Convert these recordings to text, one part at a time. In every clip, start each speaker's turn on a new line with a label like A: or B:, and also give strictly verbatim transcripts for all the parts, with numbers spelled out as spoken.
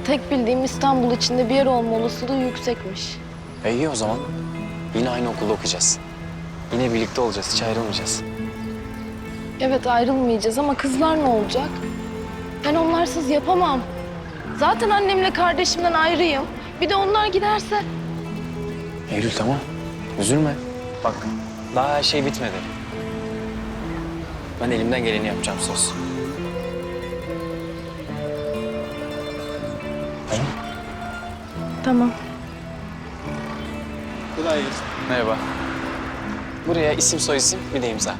A: tek bildiğim İstanbul içinde bir yer olma olasılığı yüksekmiş.
B: E iyi o zaman. Yine aynı okulda okuyacağız. Yine birlikte olacağız, hiç ayrılmayacağız.
A: Evet ayrılmayacağız ama kızlar ne olacak? Ben onlarsız yapamam. Zaten annemle kardeşimden ayrıyım. Bir de onlar giderse.
B: Eylül tamam, üzülme. Bak, daha her şey bitmedi. Ben elimden geleni yapacağım, söz. Tamam.
A: Tamam.
C: Kolay gelsin.
B: Merhaba. Buraya isim soyisim bir de imza.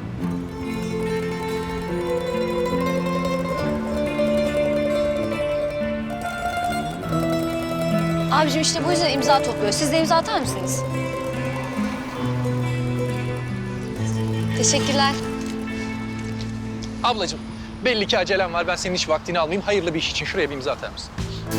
D: Abicim işte bu yüzden imza topluyor. Siz de imza atar mısınız? Teşekkürler.
C: Ablacığım, belli ki acelem var. Ben senin hiç vaktini almayayım. Hayırlı bir iş için şuraya bir imza atar mısın?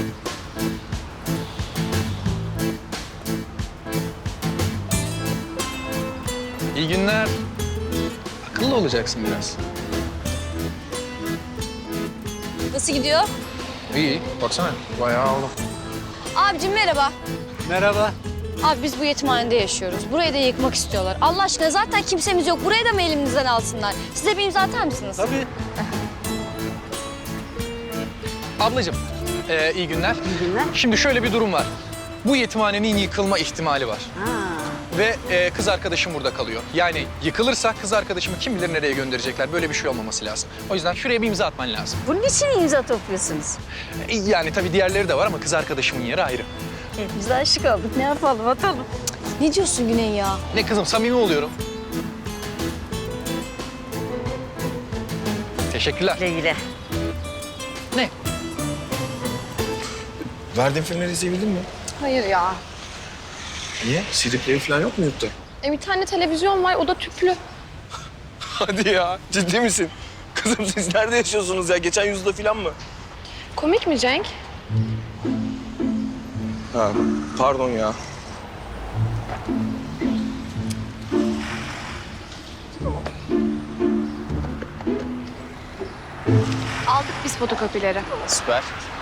C: İyi günler. Akıllı olacaksın biraz.
D: Nasıl gidiyor?
C: İyi, baksana. Bayağı oldu.
D: Abicim merhaba.
C: Merhaba.
D: Abi biz bu yetimhanede yaşıyoruz. Burayı da yıkmak istiyorlar. Allah aşkına zaten kimsemiz yok. Burayı da mı elimizden alsınlar? Size bir imza atar mısınız?
C: Tabii. Ablacığım, e, iyi günler.
E: İyi günler.
C: Şimdi şöyle bir durum var. Bu yetimhanenin yıkılma ihtimali var.
E: Ha.
C: Ve e, kız arkadaşım burada kalıyor. Yani yıkılırsa kız arkadaşımı kim bilir nereye gönderecekler. Böyle bir şey olmaması lazım. O yüzden şuraya bir imza atman lazım.
E: Bunun için imza topluyorsunuz.
C: E, yani tabii diğerleri de var ama kız arkadaşımın yeri ayrı.
E: Hepimiz aşık olduk. Ne yapalım, atalım.
D: Ne diyorsun Güney ya?
C: Ne kızım, samimi oluyorum. Teşekkürler.
E: Güle güle.
C: Ne?
F: Verdiğin filmleri izleyebildin mi?
A: Hayır ya.
F: Niye? C D player falan yok mu yurtta?
A: E bir tane televizyon var, o da tüplü.
F: Hadi ya, ciddi misin? Kızım siz nerede yaşıyorsunuz ya? Geçen yüzyılda falan mı?
A: Komik mi Cenk?
F: Ha, pardon ya.
A: Aldık biz fotokopileri.
B: Süper.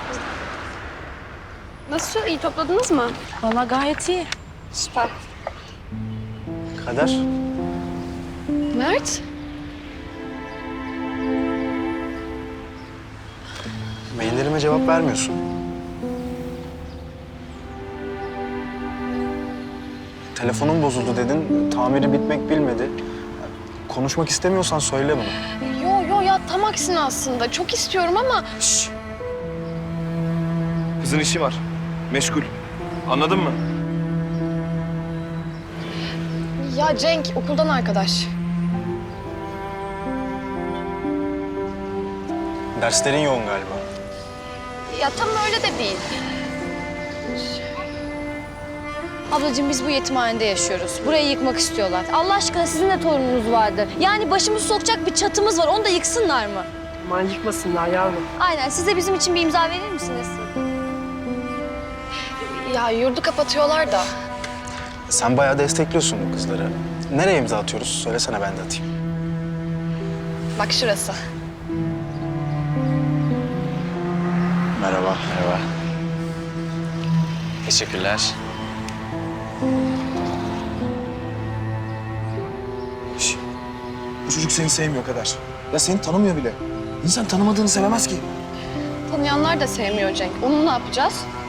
A: Nasıl, iyi topladınız mı?
D: Vallahi gayet iyi.
A: Süper.
B: Kader.
A: Mert?
B: Maillerime cevap vermiyorsun. Telefonum bozuldu dedin, tamiri bitmek bilmedi. Konuşmak istemiyorsan söyle bunu.
A: Yo yo ya tam aksine aslında. Çok istiyorum ama...
F: Şşş. Kızın işi var. Meşgul. Anladın mı?
A: Ya Cenk, okuldan arkadaş.
B: Derslerin yoğun galiba.
A: Ya tam öyle de değil.
D: Ablacığım biz bu yetimhanede yaşıyoruz. Burayı yıkmak istiyorlar. Allah aşkına sizin de torununuz vardı. Yani başımızı sokacak bir çatımız var. Onu da yıksınlar mı?
E: Aman yıkmasınlar yavrum.
D: Aynen. Siz de bizim için bir imza verir misiniz?
A: Ya yurdu kapatıyorlar da.
B: Sen bayağı destekliyorsun bu kızları. Nereye imza atıyoruz? Söylesene ben de atayım.
A: Bak şurası.
B: Merhaba. Merhaba. Teşekkürler.
F: Şş. Bu çocuk seni sevmiyor kadar. Ya seni tanımıyor bile. İnsan tanımadığını sevemez ki.
A: Tanıyanlar da sevmiyor Cenk. Onu ne yapacağız?